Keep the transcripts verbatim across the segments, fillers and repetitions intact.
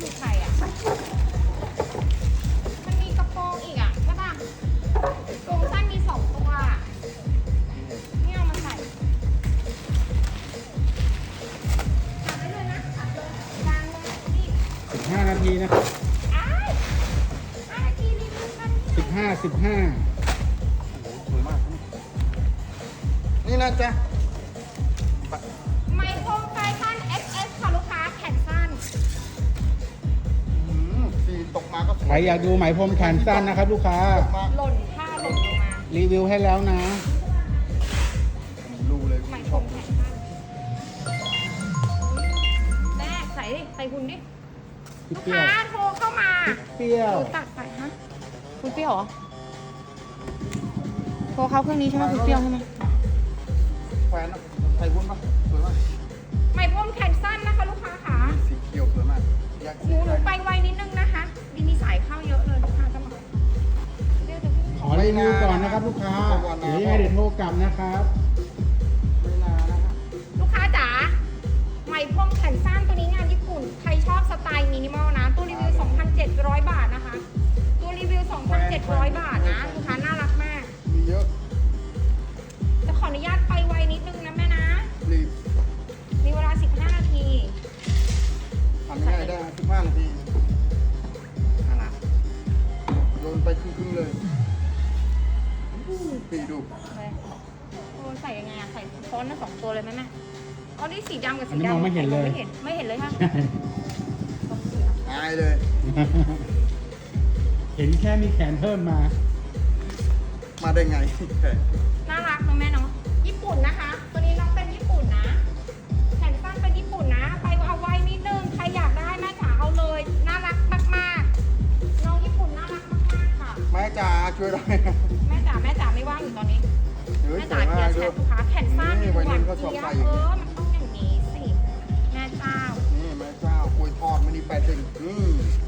คือใครอ่ะมันมีกระโปรงอีกอ่ะใช่ป่ะกรงสั้นมีสองตัวนี่เอามาใส่ตัดได้เลยนะตัดเลยกลางเลยนี่สิบห้านาทีนะครับอ้ายห้านาทีรีวิวกันสิบห้าสิบห้าโอ้โหสวยมาก นี่นะจ๊ะไมโครแฟชั่น เอ็กซ์ เอส ค่ะลูกค้าแขนสั้นอืมสีตกมาก็สวยใครอยากดูไหมพรมแขนสั้นนะครับ ลูกค้าตกมาหล่นผ้าหล่นลงมารีวิวให้แล้วนะรู้เลยไหมพรมแขนสั้นแม่ใส่ดิใส่หุ่นดิพี่ลูกเปรี้ยวค้าโทรเข้ามาเปรี้ยวตัดไปฮะคุณเปรี้ยวเหรอโทรเข้าเครื่องนี้ใช่ไหมคุณเปรี้ยวใช่ไหมแฟนนะใส่วุ้นปะสวยมากไหมพรมแขนสั้นนะคะลูกค้าขาสีเขียวสวยมากอยากหนูหนูไปไวนิดนึงนะคะดีมีสายเข้าเยอะเลยลูกค้าจะมาเดี๋ยวเดี๋ยวพี่ขอรีวิวก่อนนะครับ ลูกค้าเดี๋ยวยังไงเดี๋ยวโทรกลับนะครับไม่นานนะฮะลูกค้าจ๋าไหมพรมแขนสั้นตัวนี้งานญี่ปุ่นใครชอบสไตล์มินิมอลนะตัวรีวิว สองพันเจ็ดร้อย บาทนะคะ ตัวรีวิว สองพันเจ็ดร้อย บาทนะลูกค้าน่ารักมากมีเยอะจะขออนุญาตไปไวนิดนึงนะแม่นะรีบมีเวลาสิบห้านาทีทำง่ายได้สิบห้านาทีน่ารักโยนไปครึ่งๆเลยปีดูเลยโอ้ใส่ยังไงอะใส่ซ้อนทั้งสองตัวเลยไหมแม่เอาดิสีดำกับอัสีนนี้ดำมองไม่เห็นเลยไม่เห็นไม่เห็นเลยค่ะอายเลยเห็นแค่มีแขนเพิ่มมามาได้ไงน่ารักนะแม่เนาะญี่ปุ่นนะคะ ตัวนี้น้องเป็นญี่ปุ่นนะแขนสั้นเป็นญี่ปุ่นนะ ไปเอาไว้นิดนึงใครอยากได้แม่จ๋าเอาเลยน่ารักมากๆน้องญี่ปุ่นน่ารักมากๆค่ะแม่จ๋าช่วยได้แม่จ๋าแม่จ๋าไม่ว่างอยู่ตอนนี้เฮ้ยแม่สจ๋าวยเคลีมาย กร์แชด้วยทลูกค้าแขนสั้นนี่หวัยรุ่วานนเขาชอบเจี๊ยบใส่เออมันต้องอย่างนี้สิแม่เจ้านี่แม่เจ้ากล้วยทอดมันนี่แปดสิบอืม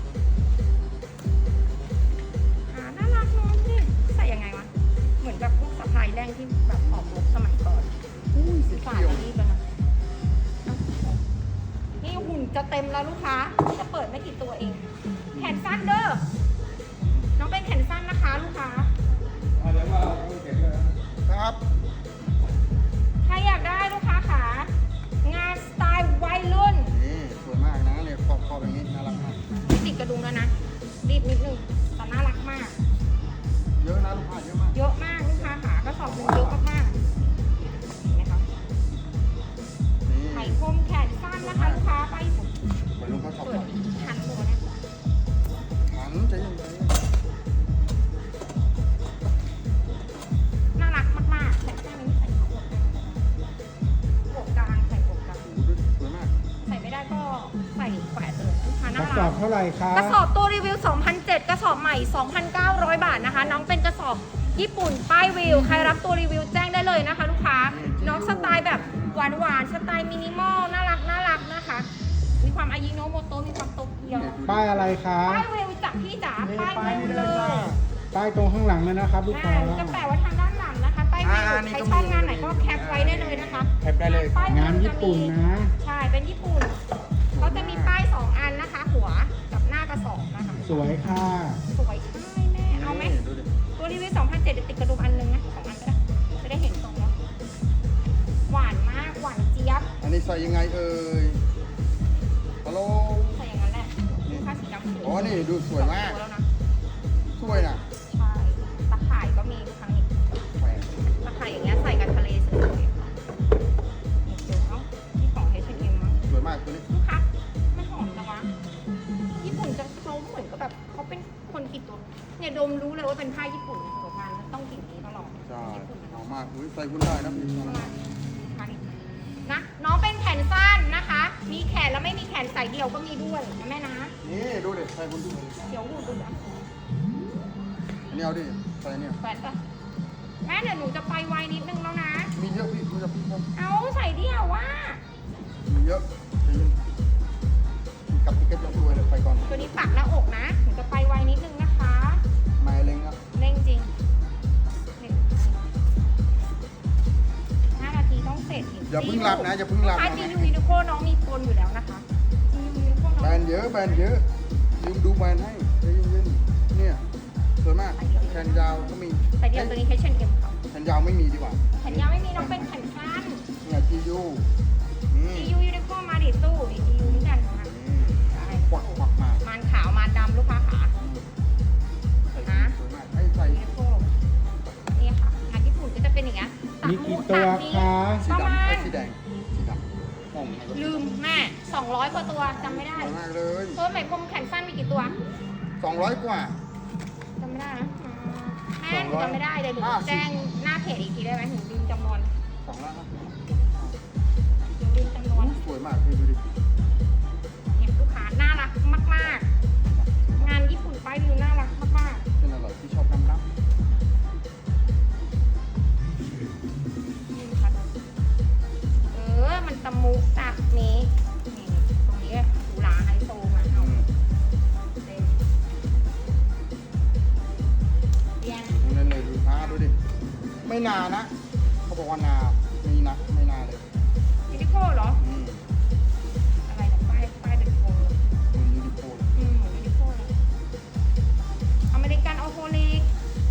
อ่าน่ารักเน้องนี่ใส่ยังไงวะเหมือนแบบพวกสะพายแรงที่แบบออกรบสมัยก่อนอุ้ยสีฝาเขียวจะรีบแล้วนะเอ้านี่หุ่นจะเต็มแล้วลูกค้าจะเปิดไม่กี่ตัวเอง แขนสั้นเด้อน้องเป็นแขนสั้นนะคะลูกค้าครับใครอยากได้ลูกค้าขางานสไตล์วัยรุ่นนี่สวยมากนะเนี่ยขอบขอบอย่างนี้น่ารักมากติดกระดุมแล้วนะรีบนิดนึงแต่น่ารักมากเยอะนะลูกค้าเยอะมากเยอะมากลูกค้าขาก็สอบหนึ่งเยอะมากๆเห็นไหมคะนี่ไหมพรมแขนสั้นนะคะลูกค้าไปวัยรุ่นเขาชอบเปิดใส่ทันตัวเนี่ยหันใจเย็นใจเย็นน่ารักมากๆแต่ข้างนี้ใส่หัวหัวกลางใส่หัวกลางโอ้โหสวยมากใส่ไม่ได้ก็ใส่แขวนเลยลูกค้าก น่าระสอรับ กเท่าไหร่ครับกระสอบตัวรีวิว สองพันเจ็ด กระสอบใหม่ สองพันเก้าร้อย บาทนะคะ น้องเป็นกระสอบญี่ปุ่นป้ายวิวใครรับตัวรีวิวแจ้งได้เลยนะคะ ลูกค้าน้องสไตล์แบบหวานๆสไตล์มินิมอลน่ารักน่ารักนะคะ มีความอายิโนโมโตะมีความโตเกียวป้ายอะไรครับป้ายวิวจากพี่จ๋านี่ป้ายไปวิวนี่เลเลยจ้ายป้ายตรงข้างหลังเลยนะครับ ลูกอ่าค้าจะแปะไว้ทางด้านหลังนะคะป้ายวิวอ่านี่ใครก็ชอบมีงานไหนก็แคปไว้ได้เลยนะคะแคปได้เลยป้ายวิวงานญี่ปุ่นนะใช่เป็นญี่ปุ่นเขาจะมีป้ายสองอันนะคะ หัวกับหน้ากระสอบนะคะสวยค่ะสวยใช่แม่เอาไหมนี่ดูดิตัวรีวิวสองพันเจ็ดติดกระดุมอันนึงนะสองอันก็ได้จะได้เห็นตรงเนาะหวานมากหวานเจี๊ยบอันนี้ใส่ยังไงเอ่ยฮัลโหลใส่อย่างนั้นแหละลูกค้าสีดำสวยอ๋อนี่ดูสวยมากสองตัวแล้วนะสวยนะใช่ตะข่ายก็มีครั้งนี้แหวนตะข่ายอย่างเงี้ยใส่กับทะเลสวยๆเดี๋ยวเนาะนี่ของ เอช แอนด์ เอ็ม มั้งสวยมากตัวนี้ลูกค้ามันหอมจังวะญี่ปุ่นจะเขาเหมือนกับแบบเขาเป็นคนกลิ่นตัวเนี่ยดมรู้เลยว่าเป็นผ้าญี่ปุ่นของงานมันต้องกลิ่นนี้ตลอดใช่ญี่ปุ่นหอมมากอุ้ยใส่คุณได้นะพี่นะน้องเป็นแขนสั้นนะคะ มีแขนแล้วไม่มีแขนใส่เดี่ยวก็มีด้วยนะแม่นะนี่ดูดิใส่คุณดูเดี๋ยวหูดูนะอันนี้เอาดิใส่เนี่ยแขวนปะแม่เดี๋ยวหนูจะไปไวนิดนึงแล้วนะมีเยอะพี่คุณจะพี่ผมเอาใส่เดี่ยวว่ามีเยอะใจเย็นกับติ๊กเก็ตจะสวยเลยไปก่อนตัวนี้ปักหน้าอกนะหนูจะไปไวนิดนึงนะคะไม่เล็งอ่ะเร่งจริงนี่ห้านาทีต้องเสร็จอย่าเพิ่งหลับนะอย่าเพิ่งหลับถ้านะจียูนิโคน้องมีปนอยู่แล้วนะคะจียูนิโคน้องแบรนด์ด์เยอะแบรนด์เยอะยืมดูแบรนด์ให้ใจเย็นๆเนี่ยสวยมากแขนยาวก็มีใส่เดียวตัวนี้ เอช แอนด์ เอ็ม ค่ะแขนยาวไม่มีดีกว่าแขนยาวไม่มีน้องเป็นแขนสั้นเนี่ยจียูนี่จี ยู ยูนิโคมาดิสู้นี่ จี ยู เหมือนกันค่ะใช่ควักควักมามันขาวมาดำลูกค้าขาใส่สวยมากให้ใส่ยูนิโคนี่ค่ะงานญี่ปุ่นก็จะเป็นอย่างเงี้ยตัดมีหกี่มูตัวตัดนี้คะสีประดำมาไอ้ณสีแดงสีดำมองไงก็ลืมแม่สองร้อยกว่าตัวจำไม่ได้สวยมากเลยเพิ่มไหมพรมแขนสั้นมีกี่ตัวสองร้อยกว่าจำไม่ได้นะแม่หนูจำไม่ได้เลยหนูห้าสิบแจ้งหน้าเพจอีกทีได้ไหมหนูลืมจำนวนสองร้อยห้าสิบหนูลืมจำนวนสวยมากพี่ดูดิเนี่ยลูกค้าน่ารักมากๆ งานญี่ปุ่นป้ายวิวน่ารักมากเป็นอะไรที่ชอบน้ำน้ๆนี่ค่ะเออมันตะมุจากนี้นี่ตรงนี้หรูหราไฮโซมาเอาเต็มเรียนำนั่นเลยดูผ้าดูดิไม่นานะเขาบอกว่านามีนะไม่นาเลยยูนิโคเหรออืมอะไรนะป้ายป้ายเป็นโฟมมันยูนิโคลอืมเหมือนยูนิโคเลยอเมริกันออโฮลิก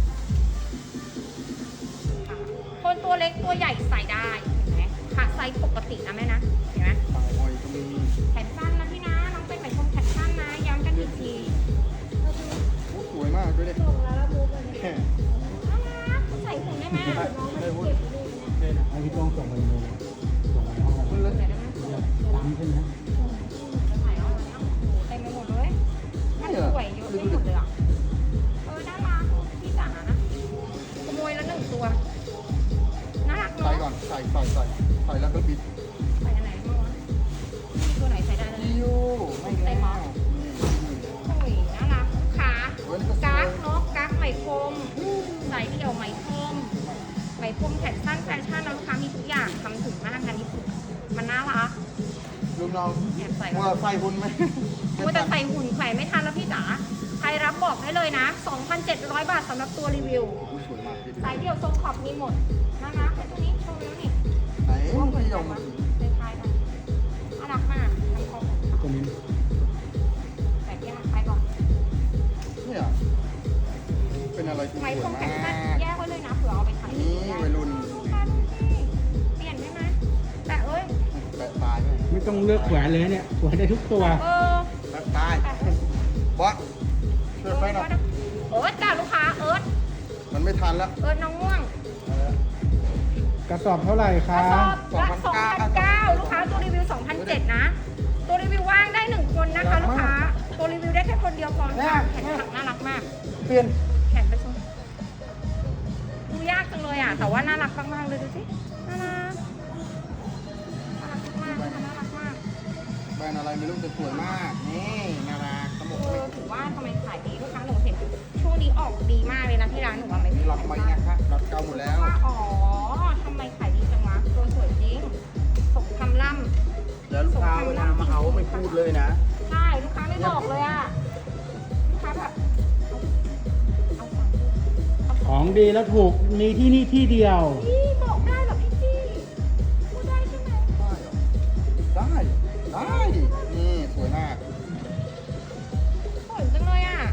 ค่ะคนตัวเล็กตัวใหญ่ใส่ได้เห็นไหมค่ะไซส์ปกตินะแม่นะ เห็นไหมปลายหอยก็มีแขนสั้นนะพี่นะ น้องเป็นไหมพรมแขนสั้นนะ ย้ำกันอีกทีโอ้สวยมากด้วยดิส่งแล้วแล้วมูฟเลยแค่น่ารักใส่หุ่นได้ไหมได้วุ้นให้พี่ต้องส่งไปเลยส่งไปห้องมันเลยไหนได้ไหมตามใช่ไหมจะถ่ายเอาแล้วเต็มไปหมดเลยมันสวยเยอะไปหมดเลยอ่ะ เออน่ารักพี่จ๋านะขโมยแล้วหนึ่งตัว น่ารักใส่เนาะก่อนใส่ใส่ใส่ใส่แล้วก็บิดใส่อันไหนบ้างวะมีตัวไหนใส่ได้เลยจิยูไม่แล้วนี่โอ้ยน่ารักขาเฮ้ยนี่ก็สวกั๊ยกเนาะกั๊กไหมพรมสายเดี่ยวไหมพรมไหมพรมแขนสั้นแฟชั่นนะลูกค้ามีทุกอย่างทำถึงมากงานญี่ปุ่นมันน่ารักลุงน้องแอบใส่ว่าใส่หุ่นไหมว่าแต่ใส่หุ่นแขวนไม่ทันแล้วพี่จ๋าใครรับบอกได้เลยนะ สองพันเจ็ดร้อย บาทสำหรับตัวรีวิวอุ๊ยสวยมากพี่ดูสายเดี่ยวทรงขอบมีหมดน่ารักไอ้ตัวนี้โชว์แล้วนี่ไหนว่าเหมือนพี่ยกัอน มปะคล้ายๆกันน่ารักมากทำคอของเขาตัวนี้แต่แยกไปก่อนเนี่ยเป็นอะไรที่ไหมสพรวยมแขมานสั้นกแยกไว้เลยนะเผื่อเอาไปขายนี่วัยรุ่นค่ะดูสิเปลี่ยนได้ไหมแต่เอ้ยแปะตายไหมไม่ต้องเลือกแขวนเลยเนี่ยแขวนได้ทุกตัวเออแปะตายบอสช่วยไฟหน่อยเอิร์ธจ้าลูกค้าเอิร์ธมันไม่ทันแล้วเอิร์ธน้องม่วงกระสอบเท่าไหร่กคะระสอบละสองพันเก้าลูกค้าตัวรีวิวสองพันเจ็ดนะ ตัวรีวิวว่างได้หนึ่งคนนะคะลูกค้า ตัวรีวิวได้แค่คนเดียวพอค่ะแขนถักน่ารักมากเปลี่ยนแขนไปชมดูยากจังเลยอ่ะ แต่ว่าน่ารักมากๆเลยดูสิ น่ารัก น่ารักมากๆนะคะน่ารักมากแบรนด์อะไรไม่รู้แต่สวยมาก นี่นาราขโมเอย อถือว่าทำไมขายดีลูกค้าหนูเห็นช่วงนี้ออกดีมากเลยนะที่ร้านหนูว่าไม่มีมีล็อตไหมนะคะล็อตเก่าหมดแล้วว่าอ๋อทำไมขายดีจังวะตัวสวยจริงสมคำล่ำแล้วลูกค้าเวลามาเอาไม่พูดเลยนะใช่ลูกค้าไม่บอกเลยอ่ะ ลูกค้าแบบเอาเอาเอาของดีแล้วถูกมีที่นี่ที่เดียวพี่บอกได้เหรอพี่จี้พูดได้ใช่ไหมได้เหรอได้ ได้ นี่สวยมากสวยจังเลยอ่ะ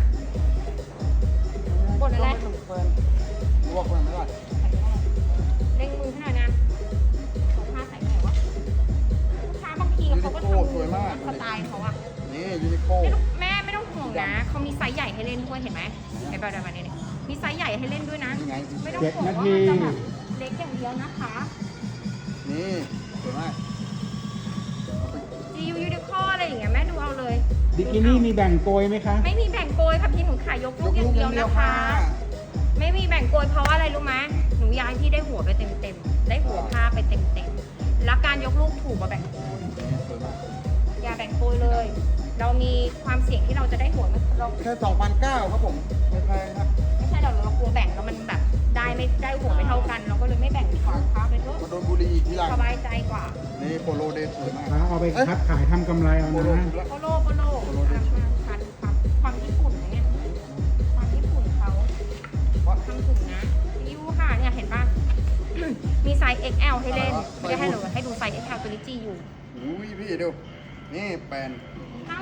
บ่นอะไรลวกมันไม่ได้ใส่ไม่ได้เร่งมือให้หน่อยนะของผ้าใส่ไหนวะลูกค้าบางทีเขาก็ทำสไตล์เขาอ่ะนี่ยูนิโคไม่ต้องแม่ไม่ต้องห่วงนะเขามีไซส์ใหญ่ให้เล่นด้วยเห็นไหมไอ้แบบแบบนี้เนี่ยมีไซส์ใหญ่ให้เล่นด้วยนะนี่ไงไม่ต้องเจ็ดห่วงนาว่าทีมันจะแบบเล็กอย่างเดียวนะคะนี่สวยมากจียูยูนิคอร์อะไรอย่างเงี้ยแม่ดูเอาเลยบิกินี่มีแบ่งโกยไหมคะไม่มีแบ่งโกยค่ะพี่หนูขายยกลูกอย่างเดียวนะคะ ไม่มีแบ่งโกยเพราะว่าอะไรรู้ไหมหนูย้ายที่ได้หัวไปเต็มๆได้หัวผ้าไปเต็มๆแล้วการยกลูกถูกกว่าแบ่งโกยนี่สวยมากอย่าแบ่งโกยเลย เรามีความเสี่ยงที่เราจะได้หัวมันเราแค่สองพันเก้าครับผม ไม่แพงครับไม่ใช่เราเรากลัวแบ่งแล้วมันแบบได้ไม่ได้หัวไม่เท่ากัน เราก็เลยไม่แบ่งดีกว่าค้าไปเถอะมาโดนบุรีอีกทีหลังสบายใจกว่านี่โปโลเดย์สวยมากค้าเอาไปคัดขายทำกำไรเอาโปโลนะถูกแล้วโปโลโปโลความความความความญี่ปุ่นนะเนี่ยความญี่ปุ่นเขาทำถึงนะยูค่ะเนี่ยเห็นป่ะ มีไซส์ เอ็กซ์ แอล ให้เล่นไม่ได้ให้หนูให้ดูไซส์ เอ็กซ์ แอล ตัวนี้จีอยู่อุ้ยพี่ดู นี่แปลนน่ารัก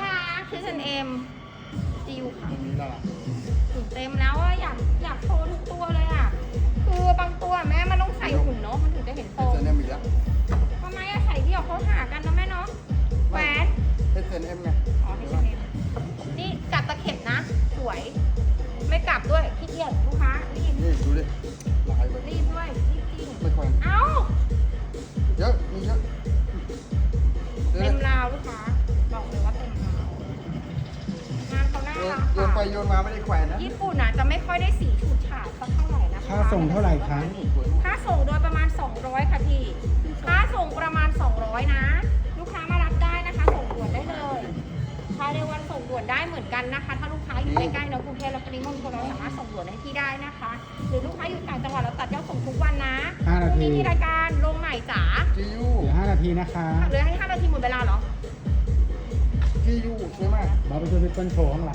ที่ เอส เอ็ม จิวค่ะตรงนี้น่ารักหุ่นเต็มแล้วอะอยากอยากโชว์ทุกตัวเลยอะคือบางตัวแม่มันต้องใส่หุ่นเนาะมันถึงจะเห็นโตเอส เอ็ม อีกแล้วทำไมอะใส่เดี่ยวเขาหากันนะแม่เนาะแหวนเอส เอ็ม ไงอ๋อไม่ใช่นี่กลับตะเข็บนะ สวย ไม่กลับด้วยขี้เกียจลูกค้ารีบนี่ดูดิลายแบบรีบด้วยรีบจริงไม่ค่อยเอ้าเยอะมีเยอะเดี๋ยวเต็มนะราวลูกค้าบอกเลยว่าเต็มราวงานเขาน่าโยนรักโยนไปค่ะโยนมาไม่ได้แขวนนะญี่ปุ่นอ่ะจะไม่ค่อยได้สีฉูดฉาดสักเท่าไหร่นะคะค่าส่งเท่าไหร่คะนี่สวยมากค่าส่งโดยประมาณ สองร้อย ค่ะพี่ ค่าส่งประมาณ สองร้อย นะ ลูกค้ามารับได้นะคะ ส่งด่วนได้เลยภายในวันส่งด่วนได้เหมือนกันนะคะ ถ้าลูกค้าอยู่ใกล้ๆเนอะกรุงเทพและปริมณฑลเราสามารถส่งด่วนให้พี่ได้นะคะ หรือลูกค้าอยู่ต่างจังหวัดเราตัดยอดส่งทุกวันนะห้าพนารุ่งทีนี้มีรายการลงใหม่จ๋าจียูเหลือห้านาทีนะคะเหลือให้ห้านาทีหมดเวลาเหรอจียูสวยมากเราไปช่วยพี่เปิ้ลโชว์ข้างหลัง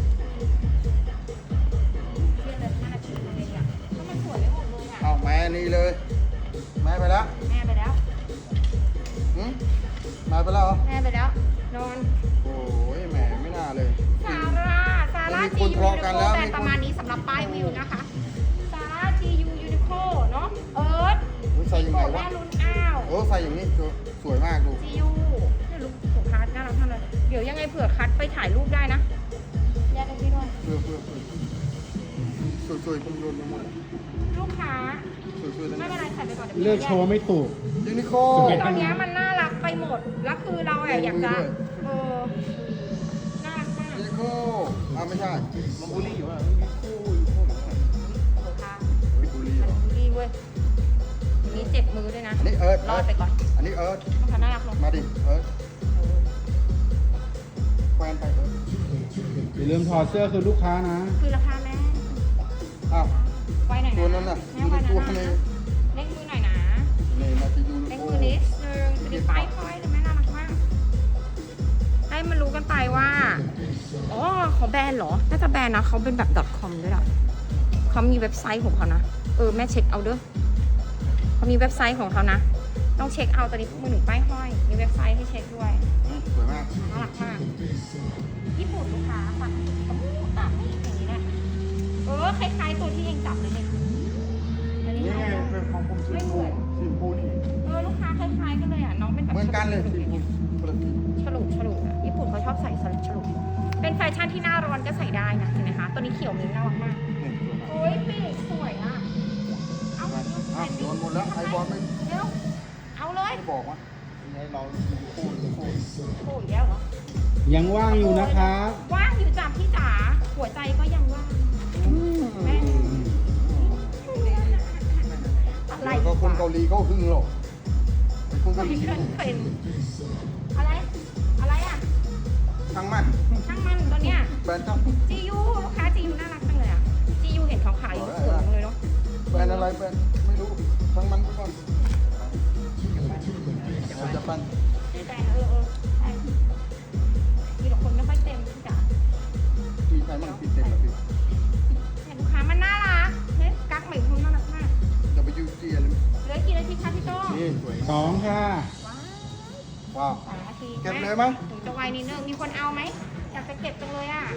เรียนเลยห้านาทีเลยอ่ะก็มันสวยไม่หมดเลยอ่ะเอาแม่นี่เลย แม่ไปแล้วแม่ไปแล้วหืมแม่ไปแล้วเหรอแม่ไปแล้ว นอนโอ้ยแม่ไม่น่าเลยซาร่า ซาร่ามีจีคนยูทะยูเลาะนิกันโคแล้วแบรนมีด์คนประมาณนี้สำหรับป้ายวิวนะคะ ซาร่าจียูยูนิโคเนาะ เอิร์ธโอ้ยใส่ยังโกไงแม่วะลุ้นอ้าวโอ้ใส่อย่างนี้สวยมากดูจียูเนี่ยลูกของคัทน่ารักมากเลย เดี๋ยวยังไงเผื่อคัทไปถ่ายรูปได้นะแยกกันพี่ด้วยเพื่อเพื่อเพื่อสวยสวยๆผมโยนไปหมดลูกค้าสวยสวยๆไม่ทั้งเป็นนั้นไรใส่ไปก่อนเดี๋ยวเลือกโชว์ไม่ถูกยูนิโคสวยตอนเนี้ยมันน่ารักไปหมด แล้วคือเราอะอยากจะด้วยเออ น่ารักมากยูนิโคอ่าไม่ใช่มันบุรีอยู่อ่ะยูนิโคยูนิโคลูกค้าเฮ้ยบุรีเหรมัอนบูลลี่เว้ย มีเจ็บมือด้วยนะอันนี้เอิร์ธรอดไปก่อนอันนี้เอิร์ธลูกค้าน่ารักลงมาดิเอิร์ธแฟนไปเอิร์ธอย่าลืมถอดเสื้อคือลูกค้านะคือราคาแม่อ้าวไว้หน่อยนะตัวนั้นน่ะแม่ไว้อยู่นะในตัวในเล่นมือหน่อยนะนี่นาทียูนิเล่นโคมือนิดนึงจะได้ป้ายค่อยเลยแม่น่ารักมาก ให้มันรู้กันไปว่า อ๋อเขาแบรนด์เหรอ น่าจะแบรนด์นะเขาเป็นแบบ .com ด้วยล่ะเขามีเว็บไซต์ของเขานะ เออแม่เช็คเอาเด้อเขามีเว็บไซต์ของเขานะ ต้องเช็คเอาตอนนี้มือหนึ่งป้ายห้อย มีเว็บไซต์ให้เช็คด้วยอืมสวยมากน่ารักมาก ญี่ปุ่นลูกค้าตัดตัดนี่อย่างนี้แหละเออคล้ายๆตัวที่เองจับเลยเนี่ยอันนี้นี่ไงนะเป็นของผมสีชมพูสีชมพูนี่เออลูกค้าคล้ายๆกันเลยอ่ะน้องเป็นแบบเหมือนกันเลยฉสีลุชมพูคนละสีฉลุฉลุอ่ะญี่ปุ่นเขาชอบใส่ฉลุเป็นแฟชั่นที่หน้าร้อนก็ใส่ได้นะเห็นไหมคะตัวนี้เขียวมิ้นท์น่ารักมากนี่สวยมากโอ้ยปีกสวยอ่ะเอาไปอ้าวโดนหมดแล้วไอบอลไม่เร็วเอาเลยไม่บอกว่าให้เราพูดพูดโอ้ยแล้วเหรอยังว่างอยู่นะครับว่างอยู่จ้ะพี่จ๋าหัวใจก็ยังว่าง แม่ อะไรแล้วก็คนเกาหลีเขาหึงหรอกไอ้คนเกาหลีเพื่อนเป็นอะไร อะไรอ่ะช่างมันช่างมันตัวเนี้ยแบรนด์ช่างจียูลูกค้าจียูน่ารักจังเลยอ่ะจียูเห็นเขาขายอยู่สวยจังเลยเนาะแบรนด์อะไรแบรนด์ไม่รู้ช่างมันไปก่อนเราจะปั้นในใจนะเออเออใช่มีแต่คนไม่ค่อยเต็มพี่จ๋ามีใครมั่งติดเต็มแล้วพี่เห็นลูกค้ามันน่ารักเฮ้ยกั๊กใหม่ทุนน่ารักมากจะไปยูจีอะไรเหลือกี่นาทีคะพี่โต้นี่สวยสองค่ะว้าวว้าวสองนาทีเก็บเลยไหมถึงจะไวนิดนึงมีคนเอาไหมอยากจะเก็บจังเลยอ่ะ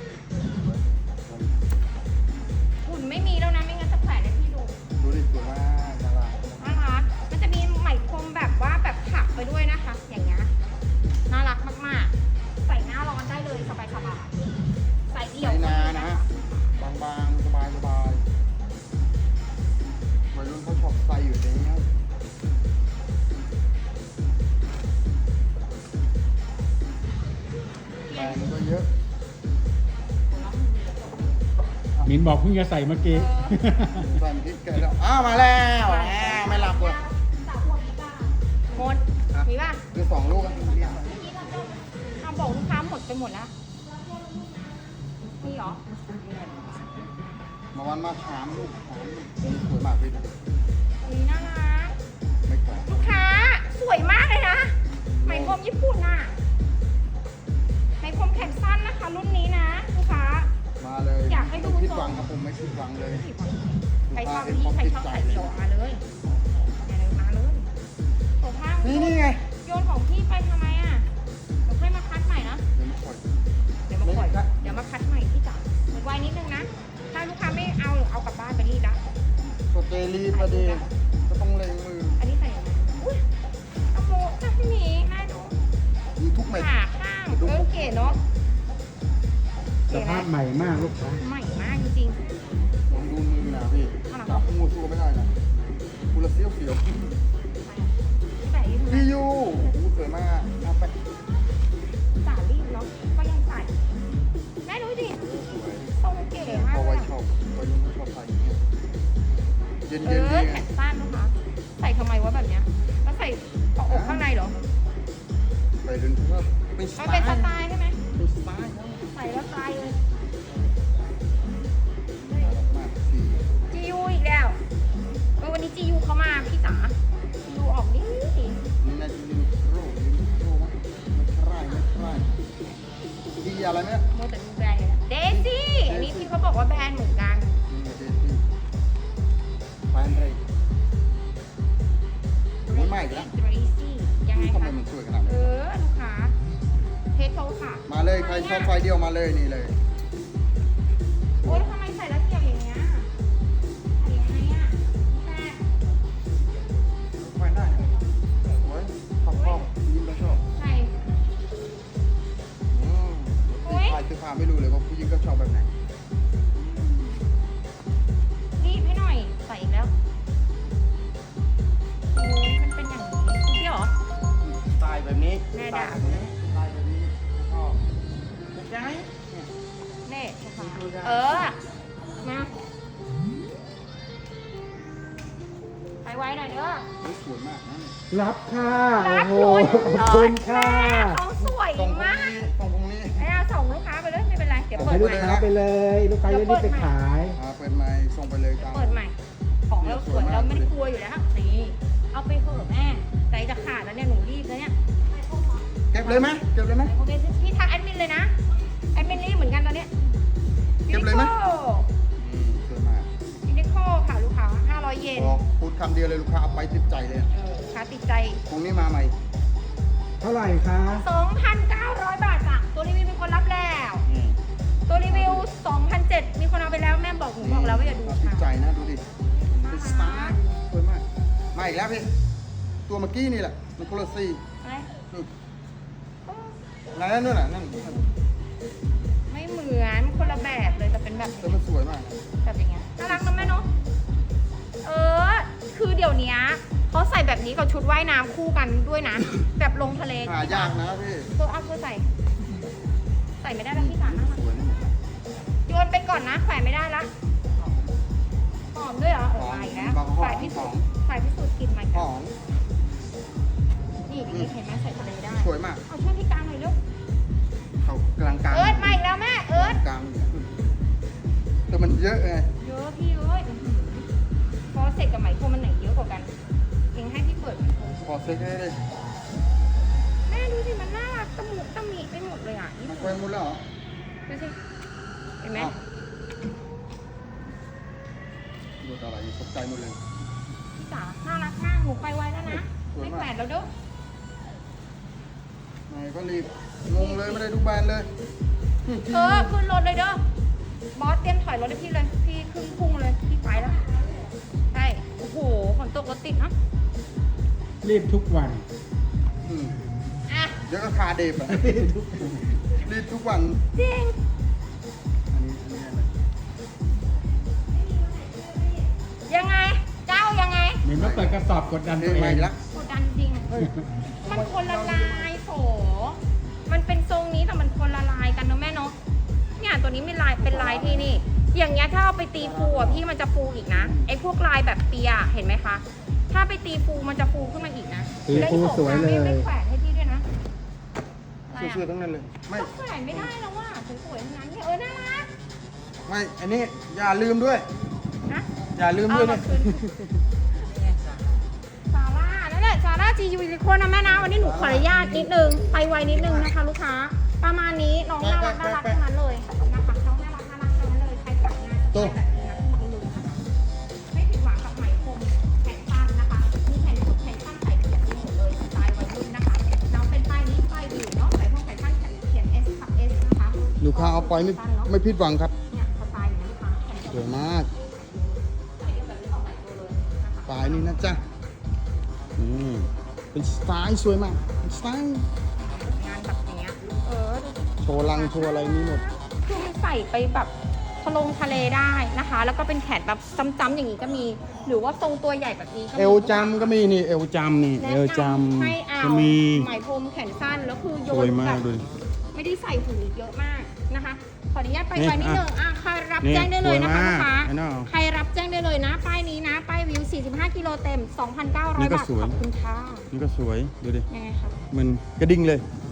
หุ่นไม่มีแล้วนะไม่งั้นจะแขวนให้พี่ดูดูดิสวยมากน่ารักน่ารักมันจะมีไหมพรมแบบว่าแบบถักไปด้วยนะคะ อย่างเงี้ย น่ารักมากๆ ใส่หน้าร้อนได้เลยสบายๆ ใส่เดี่ยวใส่นานะฮะบางๆสบายสบายวัยรุ่นเขาชอบใส่อยู่อย่างเงี้ยแต่มันก็เยอะมินบอกเพิ่งจะใส่เมื่อกี้ใส่มันคิดแกแล้วอ้าวมาแล้วแหมไม่หลับเลยหมด มีป่ะคือสองลูกอะทำบอกลูกค้าหมดไปหมดแล้ว นี่เหรอมาวันมาถามลูกถามลูกนี่สวยมากพี่ดูนี่น่ารักไม่แข็งลูกค้าสวยมากเลยนะ ไหมพรมญี่ปุ่นน่ะ ไหมพรมแขนสั้นนะคะ รุ่นนี้นะลูกค้ามาเลยอยากให้ดูผิดหวังครับผมไม่ผิดหวังเลยใครชอบนี่ใครชอบใส่เดี่ยวมาเลยมาเลยมาเลยโถผ้านี่นี่ไงโยนของพี่ไปทำไมอ่ะเดี๋ยวค่อยมาคัดใหม่นะเดี๋ยวมาคอยเนาะสภาพใหม่มากลูกค้าใหม่มากจริงลองดูมือนะพี่จับงูสู้ไม่ได้นะกูละเสี้ยวเสียวๆแต่อีกพี่ยูหูสวยมากเอาไปสาลีเนาะก็ยังใส่แม่ดูดิทรงเก๋มากพอเลไว้ยชอบไว้ยังไม่ชอบใส่อย่างเงี้ยเย็นเอเย็นอนี่แขไงนสั้นนะคะ ใส่ทำไมวะแบบเนี้ยแล้วใส่เกาะอกข้างในเหรอใส่ดึงว่าเป็นสมันไตเป็นล์สไตล์ใช่ไหมเป็นสไตล์ครับใส่แล้วสไตล์เลยน่ารักมากสีจียูอีกแล้วเออวันนี้จียูเขามาพี่จ๋าจียูออกดินี่น่าจะลิมิโร่ลิมิโร่มั้งไม่ใช่ไม่ใช่ดีอะไรไหมโมแต่ดูแบรนด์เลยนะเดซี่อันนี้พี่เขาบอกว่าแบรนด์เหมือนกันนี่เดซี่แฟนเลยไม่ใหม่อีกแล้วเดซี่ยังไงทำไมคะมันสวยขนาดเอนี้อลูกค้าเทสโซค่ะมาเลยใครชอบไฟเดียวมาเลยนี่เลยโอ๊ยทำไมใส่แล้วเกี่ยวอย่างเงี้ยใส่ยังไงอ่ะแม่ไฟได้สวยชอบชอบยิ้มแล้วชอบใส่อืมใครซื้อผ้าไม่รู้เลยว่าผู้หญิงก็ชอบแบบไหนรีบให้หน่อยใส่อีกแล้วโอ้ยมันเป็นอย่างนี้คุณพี่เหรอสไตล์แบบนี้แม่ด่าสไตล์แบบนี้ชอบเป็นไงเน่ค่ะเออ มาไปไว้หน่อยเด้อเฮ้ยสวยมากนะรับค่ะรัโอ้กโหคุณขอบคุณค่ะเขาสวยตรงพวกมากนี้ตรงพวกนี้ไอ้เอาส่งลูกค้าไปเลยไม่เป็นไร เดี๋ยวเปิให้ดลูใหกม่ค้าไปเลย ลูกค้าจะรีบไปขายอ่าเปิดไม้ส่งไปเลยครับเปิดใหม่ ของเราสวยเราไม่ได้กลัวอยู่แล้วนี่เอาไปเถอะแม่ใจจะขาดแล้วเนี่ยหนูรีบแล้วเนี่ยเก็บเลยไหมเก็บเลยไหมโอเคพี่ทักแอดมินเลยนะแอดมินรีบเหมือนกันตอนเนี้ยเก็บเลยไหมยูนิโคอืมสวยมากยูนิโคค่ะลูกค้าห้าร้อยเยนบอกพูดคำเดียวเลยลูกค้าเอาไปติดใจเลยเออลูกค้าติดใจพรุ่งนี้มาใหม่เท่าไหร่คะสองพันเก้าร้อย บาทจ้ะตัวรีวิวมีคนรับแล้วอืมตัวรีวิว สองพันเจ็ดร้อย มีคนเอาไปแล้วแม่บอกหนูบอกแล้วว่าอย่าดูติดใจค่ะนะดูดิเป็นสไตล์สวยมากมาอีกแล้วพี่ตัวเมื่อกี้นี่แหละมันคนละสีอะไรนี่ไหนนั่นนู่นน่ะนั่นไม่เหมือนคนละแบบเลยแต่เป็นแบบแต่มันสวยมากแบบอย่างเงี้ยน่ารักนะแม่เนาะเออ คือเดี๋ยวนี้เขาใส่แบบนี้กับชุดว่ายน้ำคู่กันด้วยนะ แบบลงทะเลหายากนะพี่เธอเอาเธอใส่ ใส่ไม่ได้แล้วพี่สาน่ารักสวยนี่โยนไปก่อนนะแขวนไม่ได้ละหอมด้วยเหรอเออมาอีกแล้วฝ่ายพิสูจน์ฝ่ายพิสูจน์กลินมาอีกหแล้วอมนี่พี่เห็นไหมใส่ทะเลได้สวยมากเอาช่วยพี่กลางหน่อยลูกเขากลางกลางเอิร์ธมาอีกแล้วแม่เอิร์ธกลางแต่มันเยอะไงเยอะพี่เอ้ยอื้อหือพอเสร็จกับไหมพรมมันไหนเยอะกว่ากันเองให้พี่เปิดไหมพรมพอเซ็กให้เลยแม่ดูสิมันน่ารักตะหมุตะหมีไปหมดเลยอ่ะนี่มันแควนหมดแล้วเหรอดูสิเห็นไหมอ้าวดูอะไรตกใจหมดเลยพี่จ๋าน่ารักมากหนูไปไวแล้วนะสวยไม่มากแปดแล้วเด้อไหนก็รีบงงเลยไม่ได้ดูแบรนด์เลยเออขึ้นรถเลยเด้อบอสเตรียมถอยรถให้พี่เลยพี่ขึ้นพุ่งเลยพี่ไปแล้วใช่โอ้โหฝนตกรถติดเนาะรีบทุกวันอืมอ่ะเดี๋ยวก็คาเดฟอะ รีบทุกวันจริงอันนี้อันนี้อะไรยังไงเจ้ายังไงเหมือนว่าเปิดกระสอบกดดันเฮ้ตัยวเอมาง อีกแล้วกดดันจริงเฮ้ยมันคนละลายโถมันเป็นทรงนี้แต่มันคนละลายกันเนอะแม่เนาะเนี่ยตัวนี้มีลายเป็นลายที่นี่ อย่างเงี้ยถ้าเอาไปตีฟูอ่ะพี่มันจะฟูอีกนะไอ้พวกลายแบบเปียเห็นไหมคะ ถ้าไปตีฟูมันจะฟูขึ้นมาอีกนะตีฟูสวยเลยไม่ไม่แขวนให้พี่ด้วยนะอะไรเสื้ออ่ะๆทั้งนั้นเลย ไม่ก็แขวนไม่ได้แล้วว่ะสวยๆทั้งนั้นเนี่ยเออน่ารักไม่ อันนี้อย่าลืมด้วยนะอย่าลืมด้วยเอานะมาคืน ซาร่านั่นแหละซาร่าจียูนิโคนะแม่นะวันนี้หนูขออนุญาตนิดนึงไปไวนิดนึงนะคะลูกค้า ประมาณนี้น้องน่ารักน่ารักทั้งนั้นเลยนะคะน้องน่ารักน่ารักทั้งนั้นเลยใครสั่งงานจะได้แบบนี้นะทุกคนเลยนะคะไม่ผิดหวังกับไหมพรมแขนสั้นนะคะมีแขนสุดแขนสั้นใส่เขียนมีหมดเลยสไตล์วัยรุ่นนะคะน้องเป็นป้ายนี้ป้ายวิวเนาะใส่พวกแขนสั้นเขียน S กับ S นะคะลูกค้าเอาไปไม่ไม่ผิดหวังครับเนี่ยสไตล์อย่างนี้นะคะแขนสวยมากใส่แบบนี้ออกแบบตัวเลยนะคะปลายนี่นะจ๊ะ อืม เป็นสไตล์สวยมากเป็นสไตล์งานแบบอย่างเงี้ยเออดูชว์ลังโชว์อะไรมีหมดคือมันใส่ไปแบบทะลงทะเลได้นะคะ แล้วก็เป็นแขนแบบจ้ำๆอย่างนี้ก็มี หรือว่าทรงตัวใหญ่แบบนี้ก็มีเอวจำก็มีนี่เอวจำนี่แนะเอวจนำให้เอาำก็มีไหมพรมแขนสั้นแล้วคือโยสวยนมาแบกบดูดิไม่ได้ใส่หูเยอะมากนะคะ ขออนุญาตไปนี่ไว้นิดอ่ะนึงอ่ะใครรับนี่แจ้งได้เลยนะคะสวยมากลูกค้าไอ้น้องใครรับแจ้งได้เลยนะ ป้ายนี้นะ ป้ายวิว สี่สิบห้า กิโลเต็มนี่ 2,900 ก็บาทสวยขอบคุณค่ะนี่ก็สวยดูดิยังไงคะมันกระดิ่งเลย